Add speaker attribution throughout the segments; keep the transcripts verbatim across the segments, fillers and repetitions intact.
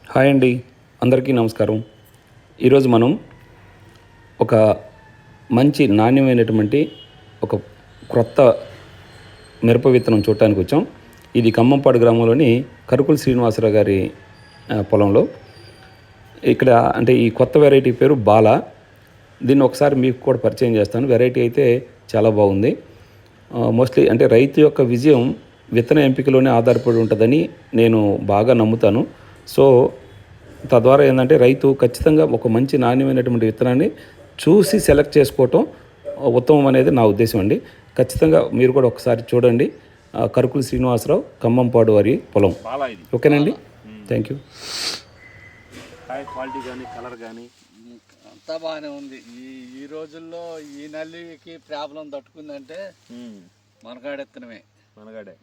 Speaker 1: Hi అండి, అందరికీ నమస్కారం. ఈరోజు మనం ఒక మంచి నాణ్యమైనటువంటి ఒక క్రొత్త మిరప విత్తనం చూడటానికి వచ్చాం. ఇది ఖమ్మంపాడు గ్రామంలోని కరుకుల శ్రీనివాసరావు గారి ఆ, పొలంలో. ఇక్కడ అంటే ఈ కొత్త వెరైటీ పేరు బాల. దీన్ని ఒకసారి మీకు కూడా పరిచయం చేస్తాను. వెరైటీ అయితే చాలా బాగుంది. మోస్ట్లీ అంటే రైతు యొక్క విజయం విత్తన ఎంపికలోనే ఆధారపడి ఉంటుందని నేను బాగా నమ్ముతాను. సో తద్వారా ఏంటంటే రైతు ఖచ్చితంగా ఒక మంచి నాణ్యమైనటువంటి విత్తనాన్ని చూసి సెలెక్ట్ చేసుకోవటం ఉత్తమం అనేది నా ఉద్దేశం అండి. ఖచ్చితంగా మీరు కూడా ఒకసారి చూడండి. ఆ, కరుకుల శ్రీనివాసరావు, ఖమ్మంపాడు వారి పొలం.
Speaker 2: బాలా ఇది
Speaker 1: ఓకేనండి, థ్యాంక్ యూ.
Speaker 2: కాయ క్వాలిటీ కానీ కలర్ కానీ
Speaker 3: అంతా బాగానే ఉంది. ఈ ఈ రోజుల్లో ఈ నల్లికి ప్రాబ్లం తట్టుకుందంటే మనగాడెత్తనమే.
Speaker 2: మనగాడే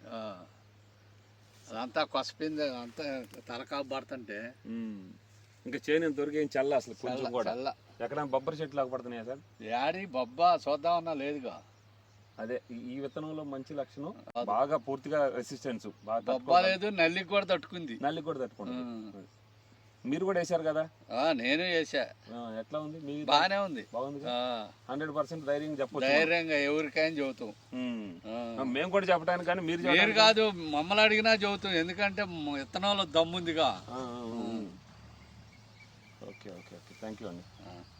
Speaker 3: అదంతా కొసపింది, అంతా తలకాపు పడుతుంటే
Speaker 2: ఇంకా చేను ఇంతవరకు ఏం చల్ల అసలు కొంచెం కూడా
Speaker 3: చల్ల.
Speaker 2: ఎక్కడ బొబ్బరి చెట్లు లాగా పడుతున్నాయా సార్?
Speaker 3: యాడి బొబ్బా చూద్దామన్నా లేదుగా.
Speaker 2: అదే ఈ- ఈ విత్తనంలో మంచి లక్షణం బాగా పూర్తిగా రెసిస్టెన్స్ బాగా
Speaker 3: బొబ్బా
Speaker 2: తట్టుకోగలదు.
Speaker 3: లేదు, నల్లికి కూడా తట్టుకుంది.
Speaker 2: నల్లి కూడా తట్టుకుంటుంది. మీరు కూడా వేశారు కదా?
Speaker 3: ఆ, నేను వేసా.
Speaker 2: ఆ, ఎట్లా ఉంది మీ
Speaker 3: బాగానే ఉంది.
Speaker 2: బాగుంది.
Speaker 3: ఆ,
Speaker 2: హండ్రెడ్ పర్సెంట్ ధైర్యం చెప్పొచ్చు.
Speaker 3: ధైర్యంగా ఎవరికైనా చెబుతాం.
Speaker 2: ఉమ్.
Speaker 3: ఆ.
Speaker 2: మేము కూడా చెప్పడానికి కానీ మీరు
Speaker 3: మీరు
Speaker 2: చెప్పడానికి-
Speaker 3: కాదు, మమ్మల్ని అడిగినా చెబుతాం. ఎందుకంటే మ- విత్తనంలో దమ్ముందిగా.
Speaker 2: ఆ, ఆ, ఆ. Okay okay okay thank you అండి.
Speaker 3: ఆ.